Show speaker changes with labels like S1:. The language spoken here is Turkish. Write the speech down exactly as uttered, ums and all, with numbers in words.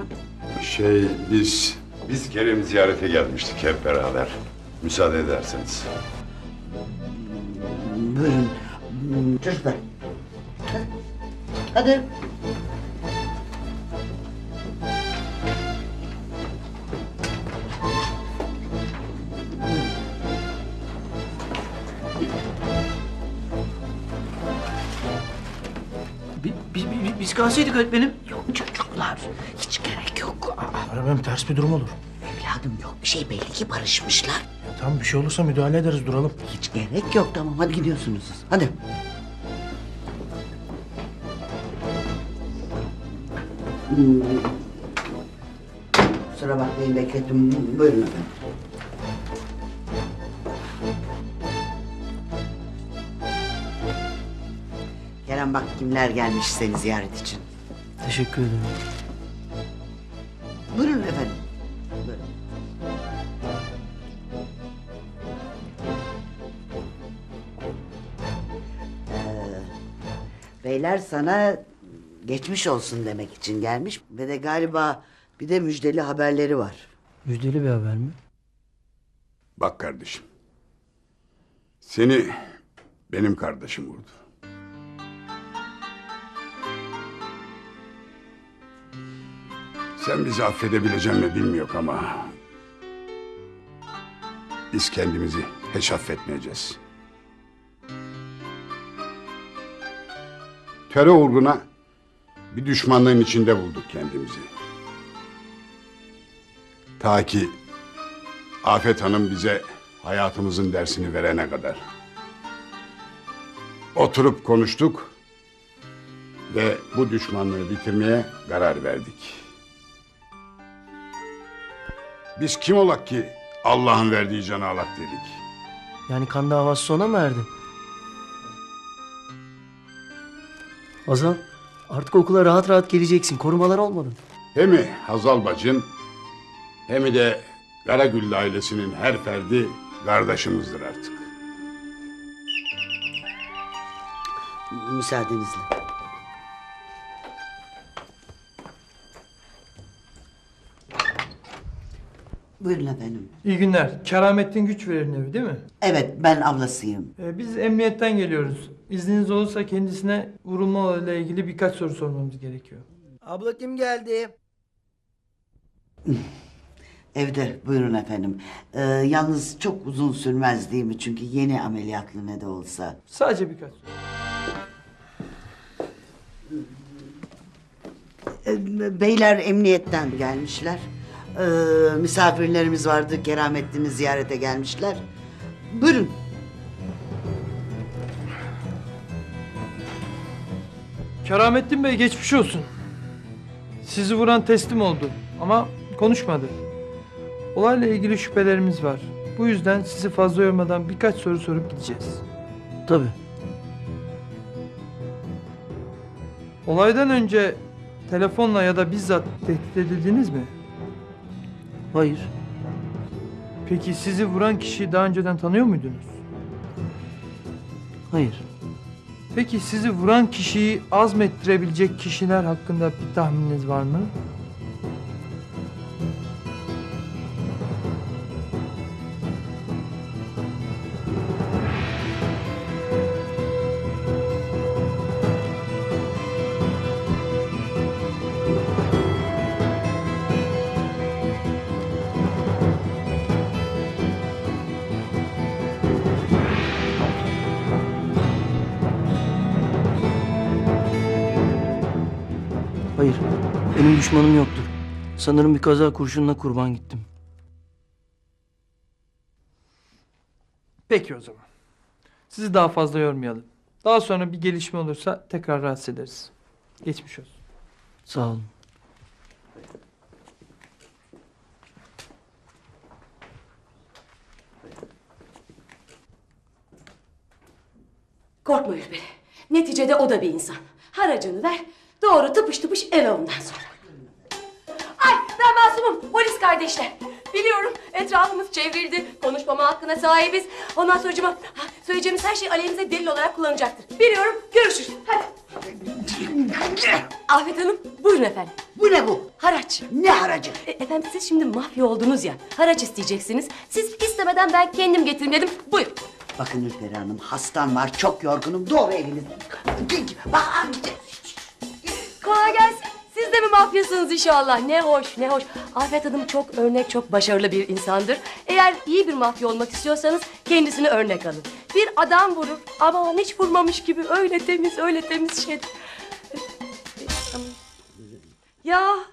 S1: sonra?
S2: Şey biz... Biz Kerem'i ziyarete gelmiştik hep beraber. Müsaade ederseniz.
S1: Buyurun. Çocuklar. Hadi. Hadi.
S3: Bi- bi- bi- Biz kalsaydık öğretmenim.
S1: Yok çocuklar. Hiç gerek yok. Aa,
S3: Öğretmenim ters bir durum olur.
S1: evladım yok bir şey, belli ki barışmışlar.
S3: Ya tamam, bir şey olursa müdahale ederiz, duralım.
S1: Hiç gerek yok, tamam hadi gidiyorsunuz siz. Hadi. Hmm. Kusura bakmayın beklettim. Buyurun efendim. Kerem bak kimler gelmiş seni ziyaret için.
S3: Teşekkür ederim.
S1: Buyurun efendim. Buyurun. Ee, beyler sana geçmiş olsun demek için gelmiş ve de galiba bir de müjdeli haberleri var.
S3: Müjdeli bir haber mi?
S2: Bak kardeşim. Seni benim kardeşim vurdu. Sen bizi affedebilecek mi bilmiyorum ama... biz kendimizi hiç affetmeyeceğiz. Terör uğruna bir düşmanlığın içinde bulduk kendimizi. Ta ki Afet Hanım bize hayatımızın dersini verene kadar. Oturup konuştuk ve bu düşmanlığı bitirmeye karar verdik. Biz kim olak ki Allah'ın verdiği canı alak dedik.
S3: Yani kan davası sona mı erdi? Hazal, artık okula rahat rahat geleceksin. Korumalar olmadı.
S2: Hem Hazal bacın hem de Karagüllü ailesinin her ferdi kardeşimizdir artık.
S1: Müsaadenizle. Buyurun efendim.
S4: İyi günler. Keramettin Güçverir'in evi değil mi?
S1: Evet ben ablasıyım.
S4: Ee, biz emniyetten geliyoruz. İzniniz olursa kendisine vurulma ile ilgili birkaç soru sormamız gerekiyor.
S3: Abla kim geldi?
S1: Evde buyurun efendim. Ee, yalnız çok uzun sürmez değil mi? Çünkü yeni ameliyatlı ne de olsa.
S4: Sadece birkaç soru.
S1: Ee, beyler emniyetten gelmişler. Ee, misafirlerimiz vardı. Keramettin'i ziyarete gelmişler. Buyurun.
S4: Keramettin Bey geçmiş olsun. Sizi vuran teslim oldu ama konuşmadı. Olayla ilgili şüphelerimiz var. Bu yüzden sizi fazla yormadan birkaç soru sorup gideceğiz.
S3: Tabii.
S4: Olaydan önce telefonla ya da bizzat tehdit edildiniz mi?
S3: Hayır.
S4: Peki sizi vuran kişiyi daha önceden tanıyor muydunuz?
S3: Hayır.
S4: Peki sizi vuran kişiyi azmettirebilecek kişiler hakkında bir tahmininiz var mı?
S3: Hayır. Benim düşmanım yoktur. Sanırım bir kaza kurşununa kurban gittim.
S4: Peki o zaman. Sizi daha fazla yormayalım. Daha sonra bir gelişme olursa tekrar rahatsız ederiz. Geçmiş olsun.
S3: Sağ olun.
S5: Korkma Ürperi. Neticede o da bir insan. Haracını ver, doğru tıpış tıpış eve ondan sonra. Ay ben masumum, polis kardeşler. Biliyorum etrafımız çevrildi. Konuşmama hakkına sahibiz. Ondan sonra ha, söyleyeceğimiz her şey aleyhimize delil olarak kullanacaktır. Biliyorum. Görüşürüz. Hadi. Afet Hanım buyurun efendim.
S1: Bu ne bu?
S5: Haraç.
S1: Ne haracı?
S5: E, efendim siz şimdi mafya oldunuz ya. Haraç isteyeceksiniz. Siz istemeden ben kendim getireyim dedim. Buyurun.
S1: Bakın Ülperi Hanım, hastam var, çok yorgunum. Doğru evinize. Bak amca.
S5: Kolay gelsin. Siz de mi mafyasınız inşallah? Ne hoş, ne hoş. Afet Hanım çok örnek, çok başarılı bir insandır. Eğer iyi bir mafya olmak istiyorsanız kendisini örnek alın. Bir adam vurur ama hiç vurmamış gibi öyle temiz, öyle temiz şey. Ya